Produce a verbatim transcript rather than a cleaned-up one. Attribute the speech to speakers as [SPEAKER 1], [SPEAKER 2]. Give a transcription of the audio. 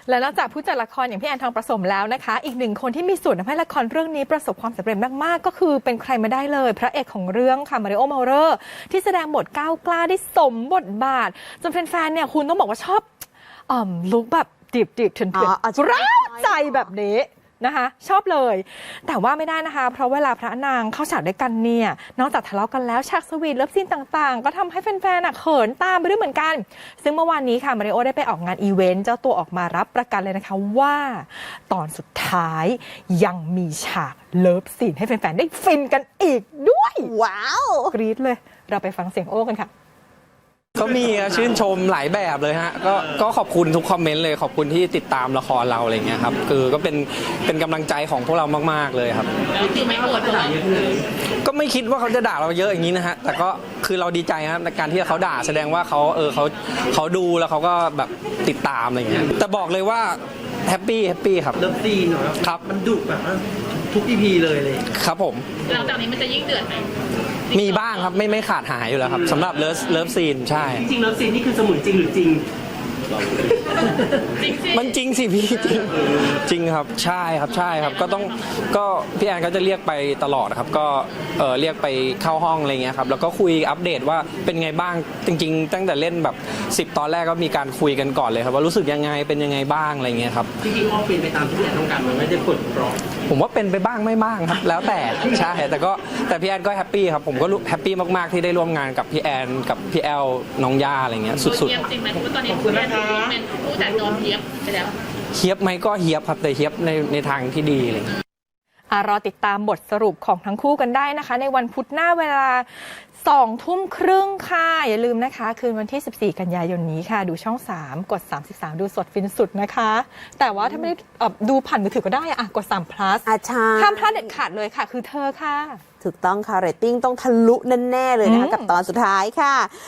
[SPEAKER 1] และนอกจากผู้จัดละครอย่างพี่แอนทองประสมแล้วนะคะอีกหนึ่งคนที่มีส่วนทำให้ละครเรื่องนี้ประสบความสำเร็จมากๆก็คือเป็นใครมาได้เลยพระเอกของเรื่องค่ะมาริโอ เมาเลอร์ที่แสดงบทก้าวกล้าได้สมบทบาทจนแฟนๆเนี่ยคุณต้องบอกว่าชอบอ่อลุคแบบดิบดิบเถื่อนเถื่อนร้าวใจแบบนี้นะคะชอบเลยแต่ว่าไม่ได้นะคะเพราะเวลาพระนางเข้าฉากด้วยกันเนี่ยนอกจากทะเลาะกันแล้วฉากสวีทเลิฟซีนต่างๆก็ทำให้แฟนๆเขินตามไปด้วยเหมือนกันซึ่งเมื่อวานนี้ค่ะมาริโอได้ไปออกงานอีเวนต์เจ้าตัวออกมารับประกันเลยนะคะว่าตอนสุดท้ายยังมีฉากเลิฟซีนให้แฟนๆได้ฟินกันอีกด้วย
[SPEAKER 2] ว้าว
[SPEAKER 1] กรี๊ดเลยเราไปฟังเสียงโอ้กันค่ะ
[SPEAKER 3] ก็มีชื่นชมหลายแบบเลยฮะก็ก็ขอบคุณทุกคอมเมนต์เลยขอบคุณที่ติดตามละครเราอะไรเงี้ยครับคือก็เป็นเป็นกำลังใจของพวกเรามากๆเลยครับ
[SPEAKER 4] คือไม่โกรธด่าเยอะเลย
[SPEAKER 3] ก็ไม่คิดว่าเขาจะด่าเราเยอะอย่างนี้นะฮะแต่ก็คือเราดีใจครับในการที่เขาด่าแสดงว่าเขาเออเขาเขาดูแล้วเขาก็แบบติดตามอะไรเงี้ยแต่บอกเลยว่าแฮปปี้แฮปปี้ครับ
[SPEAKER 4] เลิฟซีนเหรอ
[SPEAKER 3] ครับ
[SPEAKER 4] มันดุแบบทุกอีพีเลยเลย
[SPEAKER 3] ครับผม
[SPEAKER 5] หลังจากนี้มันจะยิ่งเดือดไหม
[SPEAKER 3] มีบ้างครับไม่ไม่ขาดหายอยู่แล้วครับสำหรับเลิฟเลิฟซีนใช่
[SPEAKER 4] จริงๆเลิฟซีนนี่คือสมุนจริงหรือจริง
[SPEAKER 3] มันจริงสิพี่จริงจริงครับใช่ครับใช่ครับก็ต้องก็พี่แอนก็จะเรียกไปตลอดครับก็เออเรียกไปเข้าห้องอะไรเงี้ยครับแล้วก็คุยอัปเดตว่าเป็นไงบ้างจริงๆตั้งแต่เล่นแบบสิบตอนแรกก็มีการคุยกันก่อนเลยครับว่ารู้สึกยังไงเป็นยังไงบ้างอะไรเงี้ยครับ
[SPEAKER 4] จริงๆออกเป็นไปตามที่พี่แอนต้องการมันไม่ได้กดกรอบ
[SPEAKER 3] ผมว่าเป็นไปบ้างไม่บ้างครับแล้วแต่ใช่แต่ก็แต่พี่แอนก็แฮปปี้ครับผมก็แฮปปี้มากๆที่ได้ร่วมงานกับพี่แอนกับพี่แอลน้องย่าอะไรเงี้ยสุดๆ
[SPEAKER 5] เฮียบจริงไหมเพราะตอนนี้พี่แอนเป็นผู้จัดโดนเฮียบไปแล้ว
[SPEAKER 3] เฮียบไหมก็เฮียบครับแต่เฮียบในในทางที่ดีอะไรเงี้ย
[SPEAKER 1] รอติดตามบทสรุปของทั้งคู่กันได้นะคะในวันพุธหน้าเวลาสองทุ่มครึ่งค่ะอย่าลืมนะคะคืนวันที่สิบสี่กันยายนนี้ค่ะดูช่องสามกดสามสิบสามดูสดฟินสุดนะคะแต่ว่าถ้าไม่ได้ดูผ่านมือถือก็ได้อะกดสาม plus
[SPEAKER 2] อาชา
[SPEAKER 1] ห้ามพลาดเด็ดขาดเลยค่ะคือเธอค่ะ
[SPEAKER 2] ถูกต้องค่ะเรตติ้งต้องทะลุแน่ๆเลยนะคะกับตอนสุดท้ายค่ะ